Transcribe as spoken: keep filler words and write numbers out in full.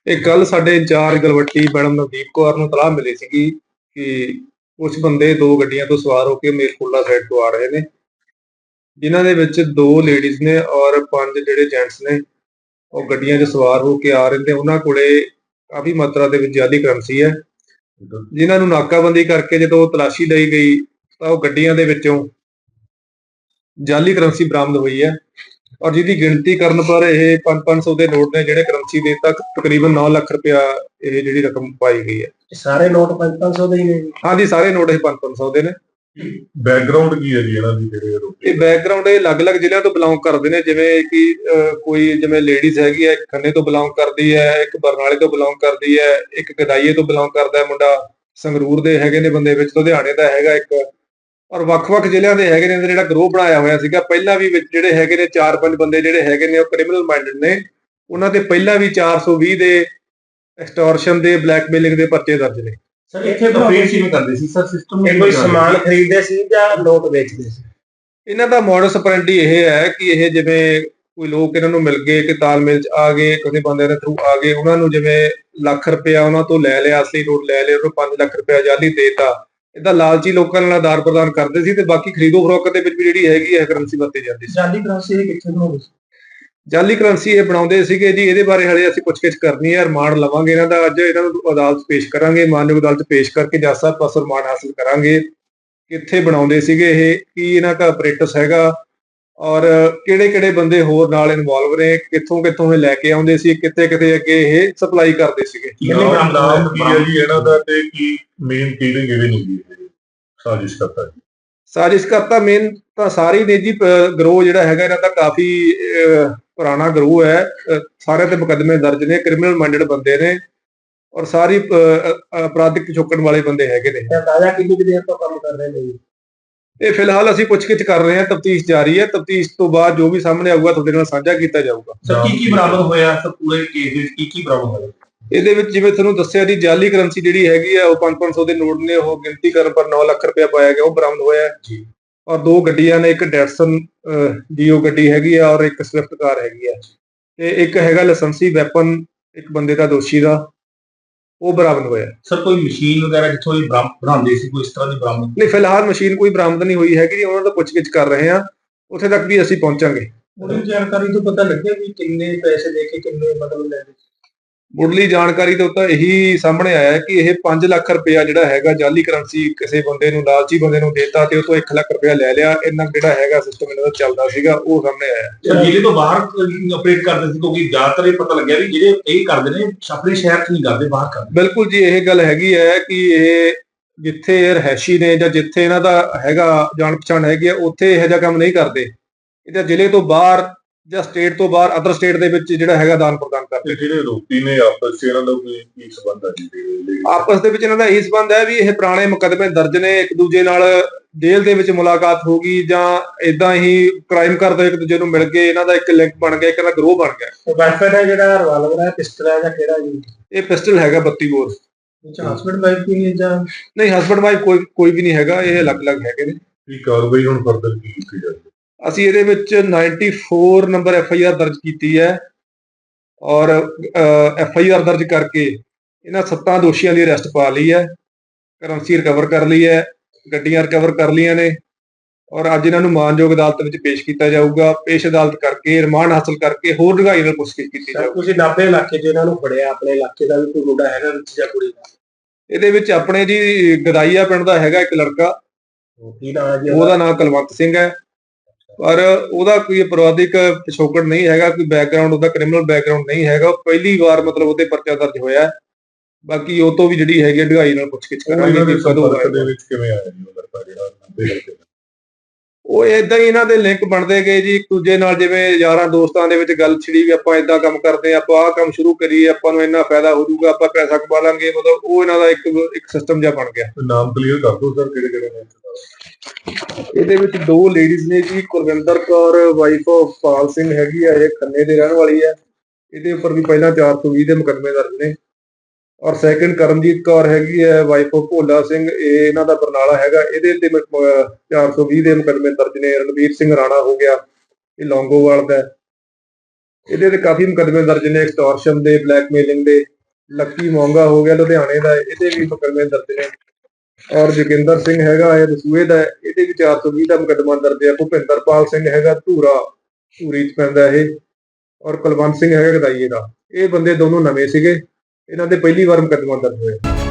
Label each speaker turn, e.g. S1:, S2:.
S1: ਇਹ ਕੱਲ ਸਾਡੇ ਇੰਚਾਰਜ ਗਲਵੱਟੀ ਮੈਡਮ ਨਵਦੀਪ ਕੌਰ ਨੂੰ ਤਲਾਹ ਮਿਲੀ ਸੀਗੀ ਕਿ ਕੁਝ ਬੰਦੇ ਦੋ ਗੱਡੀਆਂ ਤੋਂ ਸਵਾਰ ਹੋ ਕੇ ਮੇਰਕੋਟਲਾ ਸਾਈਡ ਤੋਂ ਆ ਰਹੇ ਨੇ, ਜਿਨ੍ਹਾਂ ਦੇ ਵਿੱਚ ਦੋ ਲੇਡੀਜ਼ ਨੇ ਔਰ ਪੰਜ ਜਿਹੜੇ ਜੈਂਟਸ ਨੇ ਉਹ ਗੱਡੀਆਂ 'ਚ ਸਵਾਰ ਹੋ ਕੇ ਆ ਰਹੇ ਨੇ। ਉਹਨਾਂ ਕੋਲੇ ਕਾਫੀ ਮਾਤਰਾ ਦੇ ਵਿੱਚ ਜਾਲੀ ਕਰੰਸੀ ਹੈ, ਜਿਨ੍ਹਾਂ ਨੂੰ ਨਾਕਾਬੰਦੀ ਕਰਕੇ ਜਦੋਂ ਤਲਾਸ਼ੀ ਲਈ ਗਈ ਤਾਂ ਉਹ ਗੱਡੀਆਂ ਦੇ ਵਿੱਚੋਂ ਜਾਲੀ ਕਰੰਸੀ ਬਰਾਮਦ ਹੋਈ ਹੈ ਔਰ ਜਿਹਦੀ ਗਿਣਤੀ ਕਰਨ ਪਰ ਇਹ ਪੰਜ ਪੰਜ ਸੌ ਦੇ ਨੋਟ ਨੇ ਜਿਹੜੇ ਕਰੰਸੀ ਦੇ ਤੱਕ ਤਕਰੀਬਨ ਨੌ ਲੱਖ ਰੁਪਇਆ ਇਹ ਜਿਹੜੀ ਰਕਮ ਪਾਈ ਗਈ ਹੈ।
S2: ਸਾਰੇ ਨੋਟ ਪੰਜ ਪੰਜ ਸੌ ਦੇ ਹੀ ਨੇ?
S1: ਹਾਂਜੀ, ਸਾਰੇ ਨੋਟ ਇਹ ਪੰਜ ਪੰਜ ਸੌ ਦੇ ਨੇ।
S3: ਬੈਕਗ੍ਰਾਉਂਡ ਕੀ ਹੈ ਜੀ ਇਹਨਾਂ ਦੀ? ਜਿਹੜੇ
S1: ਇਹ ਬੈਕਗ੍ਰਾਉਂਡ ਇਹ ਅਲੱਗ-ਅਲੱਗ ਜ਼ਿਲ੍ਹਿਆਂ ਤੋਂ ਬਿਲੋਂਗ ਕਰਦੇ ਨੇ, ਜਿਵੇਂ ਕਿ ਕੋਈ ਜਿਵੇਂ ਲੇਡੀਜ਼ ਹੈਗੀ ਹੈ ਖੰਨੇ ਤੋਂ ਬਿਲੋਂਗ ਕਰਦੀ ਹੈ, ਇੱਕ ਬਰਨਾਲੇ ਤੋਂ ਬਿਲੋਂਗ ਕਰਦੀ ਹੈ, ਇੱਕ ਗਦਾਈਏ ਤੋਂ ਬਿਲੋਂਗ ਕਰਦਾ ਹੈ ਮੁੰਡਾ, ਸੰਗਰੂਰ ਦੇ ਹੈਗੇ ਨੇ ਬੰਦੇ ਵਿੱਚ, ਲੁਧਿਆਣੇ ਦਾ ਹੈਗਾ ਇੱਕ, ਔਰ ਵੱਖ-ਵੱਖ ਜ਼ਿਲ੍ਹਿਆਂ ਦੇ ਹੈਗੇ ਨੇ। ਜਿਹੜਾ ਗਰੋਹ ਬਣਾਇਆ ਹੋਇਆ ਸੀਗਾ ਪਹਿਲਾਂ ਵੀ ਵਿੱਚ ਜਿਹੜੇ ਹੈਗੇ ਨੇ ਚਾਰ ਪੰਜ ਬੰਦੇ ਜਿਹੜੇ ਹੈਗੇ ਨੇ ਉਹ ਕ੍ਰਿਮੀਨਲ ਮਾਈਂਡਡ ਨੇ। ਉਹਨਾਂ ਤੇ ਪਹਿਲਾਂ ਵੀ ਚਾਰ ਸੌ ਵੀਹ ਦੇ ਐਕਸਟੋਰਸ਼ਨ ਦੇ, ਬਲੈਕਮੇਲਿੰਗ ਦੇ ਪਰਚੇ ਦਰਜ ਨੇ।
S2: ਸਰ ਇੱਥੇ ਅਪੀਲ ਕਿਵੇਂ ਕਰਦੇ ਸੀ ਸਰ? ਸਿਸਟਮ ਇਹ ਕੋਈ ਸਮਾਨ ਖਰੀਦਦੇ ਸੀ ਜਾਂ ਨੋਟ ਵੇਚਦੇ ਸੀ?
S1: ਇਹਨਾਂ ਦਾ ਮੋਡਸ ਆਪਰੈਂਡੀ ਇਹ ਹੈ ਕਿ ਇਹ ਜਿਵੇਂ ਕੋਈ ਲੋਕ ਇਹਨਾਂ ਨੂੰ ਮਿਲ ਗਏ ਕਿ ਤਾਲਮੇਲ 'ਚ ਆ ਗਏ, ਕਿਸੇ ਬੰਦੇ ਦੇ ਥਰੂ ਆ ਗਏ, ਉਹਨਾਂ ਨੂੰ ਜਿਵੇਂ ਲੱਖ ਰੁਪਇਆ ਉਹਨਾਂ ਤੋਂ ਲੈ ਲਿਆ, ਅਸਲੀ ਨੋਟ ਲੈ ਲਿਆ, ਉਹਨੂੰ ਪੰਜ ਲੱਖ ਰੁਪਇਆ ਜਾਲੀ ਦੇਤਾ। ਇਹਦਾ ਲਾਲਚੀ ਲੋਕਾਂ ਨਾਲ ਆਦਾਨ ਪ੍ਰਦਾਨ ਕਰਦੇ ਸੀ ਤੇ ਬਾਕੀ ਖਰੀਦੋ ਫਰੋਖਤ ਦੇ ਵਿੱਚ ਵੀ ਜਿਹੜੀ ਹੈਗੀ ਹੈ ਕਰੰਸੀ ਵਰਤੀ ਜਾਂਦੀ ਸੀ।
S2: ਜਾਲੀ ਕਰੰਸੀ ਇਹ ਕਿੱਥੇ ਬਣਾਉਂਦੇ ਸੀ?
S1: ਜਾਲੀ ਕਰੰਸੀ ਇਹ ਬਣਾਉਂਦੇ ਸੀਗੇ ਜੀ। ਇਹਦੇ ਬਾਰੇ ਹਲੇ ਅਸੀਂ ਪੁੱਛਗਿੱਛ ਕਰਨੀ ਹੈ, ਰਿਮਾਂਡ ਲਵਾਂਗੇ ਇਹਨਾਂ ਦਾ। ਅੱਜ ਇਹਨਾਂ ਨੂੰ ਅਦਾਲਤ ਪੇਸ਼ ਕਰਾਂਗੇ, ਮਾਨਯੋਗ ਅਦਾਲਤ ਪੇਸ਼ ਕਰਕੇ ਜੱਜ ਸਾਹਿਬ ਪਾਸੋਂ ਰਿਮਾਂਡ ਹਾਸਲ ਕਰਾਂਗੇ ਕਿੱਥੇ ਬਣਾਉਂਦੇ ਸੀਗੇ ਇਹ, ਕੀ ਇਹਨਾਂ ਦਾ ਆਪਰੇਟਸ ਹੈਗਾ ਔਰ ਕਿਹੜੇ ਕਿਹੜੇ ਬੰਦੇ ਹੋਰ ਨਾਲ ਇਨਵੋਲਵ ਨੇ, ਕਿੱਥੋਂ ਕਿੱਥੋਂ ਇਹ ਲੈ ਕੇ ਆਉਂਦੇ ਸੀ, ਕਿੱਥੇ ਕਿੱਥੇ ਅੱਗੇ ਇਹ ਸਪਲਾਈ ਕਰਦੇ ਸੀਗੇ।
S3: ਨਾਮ ਕੀ ਹੈ ਜੀ ਇਹਨਾਂ ਦਾ ਤੇ ਕੀ ਮੇਨ ਕਿਹੜੇ ਕਿਹੜੇ ਨੇ ਸਾਜ਼ਿਸ਼ ਕਰਤਾ?
S1: ਸਾਜ਼ਿਸ਼ ਕਰਤਾ ਮੇਨ ਤਾਂ ਸਾਰੇ ਨੇ ਜੀ। ਗਰੋਹ ਜਿਹੜਾ ਹੈਗਾ ਇਹਨਾਂ ਦਾ ਕਾਫੀ ਪੁਰਾਣਾ ਗਰੋਹ ਹੈ, ਸਾਰੇ ਤੇ ਮੁਕੱਦਮੇ ਦਰਜ ਨੇ, ਕ੍ਰਿਮੀਨਲ ਮਾਈਂਡਡ ਬੰਦੇ ਨੇ ਔਰ ਸਾਰੀ ਅਪਰਾਧਿਕ ਪਿਛੋਕੜ ਵਾਲੇ ਬੰਦੇ ਹੈਗੇ ਨੇ।
S2: ਅੰਦਾਜ਼ਾ ਕਿੰਨੀ ਕੁ ਦੇਰ ਤੋਂ ਕੰਮ ਕਰ ਰਹੇ ਨੇ?
S1: ਇਹ ਫਿਲਹਾਲ ਅਸੀਂ ਪੁੱਛਗਿੱਛ ਕਰ ਰਹੇ ਹਾਂ, ਤਫਤੀਸ਼ ਜਾਰੀ ਹੈ। ਤਫਤੀਸ਼ ਤੋਂ ਬਾਅਦ ਜੋ ਵੀ ਸਾਹਮਣੇ ਆਊਗਾ ਤੁਹਾਡੇ ਨਾਲ ਸਾਂਝਾ ਕੀਤਾ ਜਾਊਗਾ।
S2: ਸਰ ਕੀ ਕੀ ਬਰਾਮਦ ਹੋਇਆ ਸਰ ਪੂਰੇ ਕੇਸ ਵਿੱਚ? ਕੀ ਕੀ ਬਰਾਮਦ ਹੋਇਆ
S1: ਇਹਦੇ ਵਿੱਚ? ਜਿਵੇਂ ਤੁਹਾਨੂੰ ਦੱਸਿਆ ਜੀ, ਜਾਲੀ ਕਰੰਸੀ ਜਿਹੜੀ ਹੈਗੀ ਆ ਉਹ ਪੰਜ ਪੰਜ ਸੌ ਦੇ ਨੋਟ ਨੇ, ਉਹ ਗਿਣਤੀ ਕਰਨ ਪਰ ਨੌ ਲੱਖ ਰੁਪਇਆ ਪਾਇਆ ਗਿਆ, ਉਹ ਬਰਾਮਦ ਹੋਇਆ ਜੀ। ਔਰ ਦੋ ਗੱਡੀਆਂ ਨੇ, ਇੱਕ ਡੈਟਸਨ ਡੀਓ ਗੱਡੀ ਹੈਗੀ ਆ ਔਰ ਇੱਕ ਸਵਿਫਟ ਕਾਰ ਹੈਗੀ ਆ, ਤੇ ਇੱਕ ਹੈਗਾ ਲਾਇਸੈਂਸੀ ਵੈਪਨ ਇੱਕ ਬੰਦੇ ਦਾ, ਦੋਸ਼ੀ ਦਾ, ਉਹ ਬਰਾਮਦ ਹੋਇਆ।
S2: ਸਰ ਕੋਈ ਮਸ਼ੀਨ ਵਗੈਰਾ ਜਿੱਥੋਂ ਇਹ ਬਣਾਉਂਦੇ ਸੀ, ਕੋਈ ਇਸ ਤਰ੍ਹਾਂ ਦੀ ਬਰਾਮਦ?
S1: ਨਹੀਂ, ਫਿਲਹਾਲ ਮਸ਼ੀਨ ਕੋਈ ਬਰਾਮਦ ਨਹੀਂ ਹੋਈ ਹੈਗੀ ਜੀ। ਉਹਨਾਂ ਦਾ ਪੁੱਛਗਿੱਛ ਕਰ ਰਹੇ ਹਾਂ, ਉੱਥੇ ਤੱਕ ਵੀ ਅਸੀਂ ਪਹੁੰਚਾਂਗੇ।
S2: ਮੁੱਢਲੀ ਜਾਣਕਾਰੀ ਤੋਂ ਪਤਾ ਲੱਗਿਆ ਵੀ ਕਿੰਨੇ ਪੈਸੇ ਦੇ ਕੇ ਕਿੰਨੇ ਮਤਲਬ ਲੈਂਦੇ?
S1: ਮੁੱਢਲੀ ਜਾਣਕਾਰੀ ਤੋਂ ਤਾਂ ਇਹੀ ਸਾਹਮਣੇ ਆਇਆ ਕਿ ਇਹ ਪੰਜ ਲੱਖ ਰੁਪਇਆ ਜਿਹੜਾ ਹੈਗਾ ਜਾਲੀ ਕਰੰਸੀ ਕਿਸੇ ਬੰਦੇ ਨੂੰ, ਲਾਲਚੀ ਬੰਦੇ ਨੂੰ ਦੇਤਾ ਤੇ ਉਹ ਤੋਂ ਇੱਕ ਲੱਖ ਰੁਪਇਆ ਲੈ ਲਿਆ। ਇਹਨਾਂ ਜਿਹੜਾ ਹੈਗਾ ਸਿਸਟਮ ਇਹਨਾਂ ਦਾ ਚੱਲਦਾ ਸੀਗਾ, ਉਹ ਸਾਹਮਣੇ ਆਇਆ।
S2: ਸਰ ਜ਼ਿਲ੍ਹੇ ਤੋਂ ਬਾਹਰ ਆਪਰੇਟ ਕਰਦੇ ਸੀ, ਕਿਉਂਕਿ ਜ਼ਿਆਦਾਤਰ ਇਹ ਪਤਾ ਲੱਗਿਆ ਵੀ ਜਿਹੜੇ ਇਹ ਕਰਦੇ ਨੇ ਆਪਣੇ ਸ਼ਹਿਰ 'ਚ ਨਹੀਂ ਕਰਦੇ, ਬਾਹਰ ਕਰਦੇ।
S1: ਬਿਲਕੁਲ ਜੀ, ਇਹ ਗੱਲ ਹੈਗੀ ਹੈ ਕਿ ਇਹ ਜਿੱਥੇ ਇਹ ਰਹਿਸ਼ੀ ਨੇ ਜਾਂ ਜਿੱਥੇ ਇਹਨਾਂ ਦਾ ਹੈਗਾ ਜਾਣ ਪਛਾਣ ਹੈਗੀ ਆ, ਉੱਥੇ ਇਹੋ ਜਿਹਾ ਕੰਮ ਨਹੀਂ ਕਰਦੇ। ਇਹਦਾ ਜ਼ਿਲ੍ਹੇ ਤੋਂ ਬਾਹਰ ਜਾਂ ਸਟੇਟ ਤੋਂ ਬਾਹਰ, ਅਦਰ ਸਟੇਟ ਦੇ ਵਿੱਚ ਜਿਹੜਾ ਹੈਗਾ ਦਾਨ ਪ੍ਰਦਾਨ ਕਰਦੇ।
S3: ਜਿਹੜੇ ਆਰੋਪੀ ਨੇ ਆਪਸ 'ਚ ਇਹਨਾਂ ਦਾ ਕੋਈ ਕੀ ਸੰਬੰਧ ਹੈ ਜੀ?
S1: ਆਪਸ ਦੇ ਵਿੱਚ ਇਹਨਾਂ ਦਾ ਇਹ ਸੰਬੰਧ ਹੈ ਵੀ ਇਹ ਪੁਰਾਣੇ ਮੁਕੱਦਮੇ ਦਰਜ ਨੇ, ਇੱਕ ਦੂਜੇ ਨਾਲ ਜੇਲ੍ਹ ਦੇ ਵਿੱਚ ਮੁਲਾਕਾਤ ਹੋ ਗਈ ਜਾਂ ਇਦਾਂ ਹੀ ਕ੍ਰਾਈਮ ਕਰਦੇ ਇੱਕ ਦੂਜੇ ਨੂੰ ਮਿਲ ਗਏ, ਇਹਨਾਂ ਦਾ ਇੱਕ ਲਿੰਕ ਬਣ ਗਿਆ, ਇੱਕ ਦਾ ਗਰੋਹ ਬਣ ਗਿਆ।
S2: ਵੈਪਨ ਹੈ ਜਿਹੜਾ ਰਿਵਾਲਵਰ ਹੈ, ਪਿਸਟਲ ਹੈ ਜਾਂ ਕਿਹੜਾ ਜੀ?
S1: ਇਹ ਪਿਸਟਲ ਹੈਗਾ ਬੱਤੀ ਬੋਰ।
S2: ਹਸਬੈਂਡ ਵਾਈਫ ਵੀ ਨਹੀਂ ਜਾਂ?
S1: ਨਹੀਂ, ਹਸਬੈਂਡ ਵਾਈਫ ਕੋਈ ਕੋਈ ਵੀ ਨਹੀਂ ਹੈਗਾ, ਇਹ ਅਲੱਗ-ਅਲੱਗ ਹੈਗੇ ਨੇ।
S3: ਕੀ ਕਾਰਵਾਈ ਹੁਣ ਫਰਦਰ ਕੀ ਕੀਤੀ ਜਾਵੇ?
S1: ਅਸੀਂ ਇਹਦੇ ਵਿੱਚ ਚੌਰਾਨਵੇਂ ਨੰਬਰ ਐਫ ਆਈ ਆਰ ਦਰਜ ਕੀਤੀ ਹੈ ਔਰ ਐਫ ਆਈ ਆਰ ਦਰਜ ਕਰਕੇ ਇਹਨਾਂ ਸੱਤਾਂ ਦੋਸ਼ੀਆਂ ਦੀ ਅਰੈਸਟ ਪਾ ਲਈ ਹੈ, ਕਰੰਸੀ ਰਿਕਵਰ ਕਰ ਲਈ ਹੈ, ਗੱਡੀਆਂ ਰਿਕਵਰ ਕਰ ਲਈਆਂ ਨੇ ਔਰ ਅੱਜ ਇਹਨਾਂ ਨੂੰ ਮਾਨਯੋਗ ਅਦਾਲਤ ਵਿੱਚ ਪੇਸ਼ ਕੀਤਾ ਜਾਊਗਾ। ਪੇਸ਼ ਅਦਾਲਤ ਕਰਕੇ ਰਿਮਾਂਡ ਹਾਸਲ ਕਰਕੇ ਹੋਰ ਡੂੰਘਾਈ ਨਾਲ ਪੁੱਛਗਿੱਛ ਕੀਤੀ ਜਾਊਗੀ।
S2: ਤੁਸੀਂ ਨਾਭੇ ਇਲਾਕੇ 'ਚ ਇਹਨਾਂ ਨੂੰ ਫੜਿਆ, ਆਪਣੇ ਇਲਾਕੇ ਦਾ ਵੀ ਕੋਈ ਮੁੰਡਾ ਹੈਗਾ ਵਿੱਚ ਜਾਂ ਕੁੜੀ?
S1: ਇਹਦੇ ਵਿੱਚ ਆਪਣੇ ਜੀ ਗਦਾਈਆ ਪਿੰਡ ਦਾ ਹੈਗਾ ਇੱਕ ਲੜਕਾ,
S2: ਕੀ ਨਾਮ ਹੈ ਜੀ
S1: ਉਹਦਾ ਨਾਮ ਕੁਲਵੰਤ ਸਿੰਘ ਹੈ, ਪਰ ਉਹਦਾ ਕੋਈ ਅਪਰਾਧਿਕ ਪਿਛੋਕੜ ਨਹੀਂ ਹੈਗਾ, ਕੋਈ ਬੈਕਗ੍ਰਾਉਂਡ ਉਹਦਾ ਕ੍ਰਿਮੀਨਲ ਬੈਕਗ੍ਰਾਉਂਡ ਨਹੀਂ ਹੈਗਾ। ਉਹ ਪਹਿਲੀ ਵਾਰ ਮਤਲਬ ਉਹਦੇ ਪਰਚਾ ਦਰਜ ਹੋਇਆ। ਬਾਕੀ ਉਹ ਤੋਂ ਵੀ ਜਿਹੜੀ ਹੈਗੀ ਢਗਾਈ ਨਾਲ ਪੁੱਛਗਿੱਛ ਕਰਾਂਗੇ ਕਿ ਕਦੋਂ
S3: ਦੇ ਵਿੱਚ ਕਿਵੇਂ ਆਇਆ ਜੀ ਉਹ ਲੜਕਾ ਜਿਹੜਾ?
S1: ਉਹ ਏਦਾਂ ਹੀ ਇਹਨਾਂ ਦੇ ਲਿੰਕ ਬਣਦੇ ਗਏ ਜੀ ਇੱਕ ਦੂਜੇ ਨਾਲ, ਜਿਵੇਂ ਯਾਰਾਂ ਦੋਸਤਾਂ ਦੇ ਵਿੱਚ ਗੱਲ ਛਿੜੀ ਵੀ ਆਪਾਂ ਏਦਾਂ ਕੰਮ ਕਰਦੇ, ਆਪਾਂ ਆਹ ਕੰਮ ਸ਼ੁਰੂ ਕਰੀਏ, ਆਪਾਂ ਨੂੰ ਇੰਨਾ ਫਾਇਦਾ ਹੋ ਜਾਊਗਾ, ਆਪਾਂ ਪੈਸਾ ਕਮਾ ਲਾਂਗੇ, ਮਤਲਬ ਉਹ ਇਹਨਾਂ ਦਾ ਇੱਕ ਇੱਕ ਸਿਸਟਮ ਜਿਹਾ ਬਣ ਗਿਆ।
S3: ਨਾਮ ਕਲੀਅਰ ਕਰ ਦਿਓ ਸਰ, ਕਿਹੜੇ ਕਿਹੜੇ ਨੇ?
S1: ਇਹਦੇ ਵਿੱਚ ਦੋ ਲੇਡੀਜ਼ ਨੇ ਜੀ, ਕੁਲਵਿੰਦਰ ਕੌਰ ਵਾਈਫ ਆਫ ਪਾਲ ਸਿੰਘ ਹੈਗੀ ਆ, ਇਹ ਖੰਨੇ ਦੇ ਰਹਿਣ ਵਾਲੀ ਹੈ, ਇਹਦੇ ਉੱਪਰ ਵੀ ਪਹਿਲਾਂ ਚਾਰ ਸੌ ਵੀਹ ਦੇ ਮੁਕੱਦਮੇ ਦਰਜ ਨੇ। ਔਰ ਸੈਕਿੰਡ ਕਰਮਜੀਤ ਕੌਰ ਹੈਗੀ ਹੈ, ਵਾਈਫ ਆਫ ਭੋਲਾ ਸਿੰਘ, ਇਹ ਇਹਨਾਂ ਦਾ ਬਰਨਾਲਾ ਹੈਗਾ, ਇਹਦੇ ਤੇ ਚਾਰ ਸੌ ਵੀਹ ਦੇ ਮੁਕੱਦਮੇ ਦਰਜ ਨੇ। ਰਣਵੀਰ ਸਿੰਘ ਰਾਣਾ ਹੋ ਗਿਆ, ਇਹ ਲੌਂਗੋਵਾਲ ਦਾ। ਇਹਦੇ ਤੇ ਕਾਫੀ ਮੁਕੱਦਮੇ ਦਰਜ ਨੇ, ਐਕਸਟੋਰਸ਼ਨ ਦੇ, ਬਲੈਕਮੇਲਿੰਗ ਦੇ। ਲੱਕੀ ਮੋਂਗਾ ਹੋ ਗਿਆ ਲੁਧਿਆਣੇ ਦਾ, ਇਹਦੇ ਵੀ ਮੁਕੱਦਮੇ ਦਰਜ ਨੇ। ਔਰ ਜੋਗਿੰਦਰ ਸਿੰਘ ਹੈਗਾ ਇਹ ਦਸੂਹੇ ਦਾ, ਇਹਦੇ ਵੀ ਚਾਰ ਸੌ ਵੀਹ ਦਾ ਮੁਕੱਦਮਾ ਦਰਜ ਹੈ। ਭੁਪਿੰਦਰਪਾਲ ਸਿੰਘ ਹੈਗਾ ਧੂਰਾ, ਧੂਰੀ 'ਚ ਪੈਂਦਾ ਇਹ। ਔਰ ਕੁਲਵੰਤ ਸਿੰਘ ਹੈਗਾ ਗਦਾਈਏ ਦਾ। ਇਹ ਬੰਦੇ ਦੋਨੋਂ ਨਵੇਂ ਸੀਗੇ, ਇਹਨਾਂ ਦੇ ਪਹਿਲੀ ਵਾਰ ਮੁਕੱਦਮਾ ਦਰਜ ਹੋਇਆ।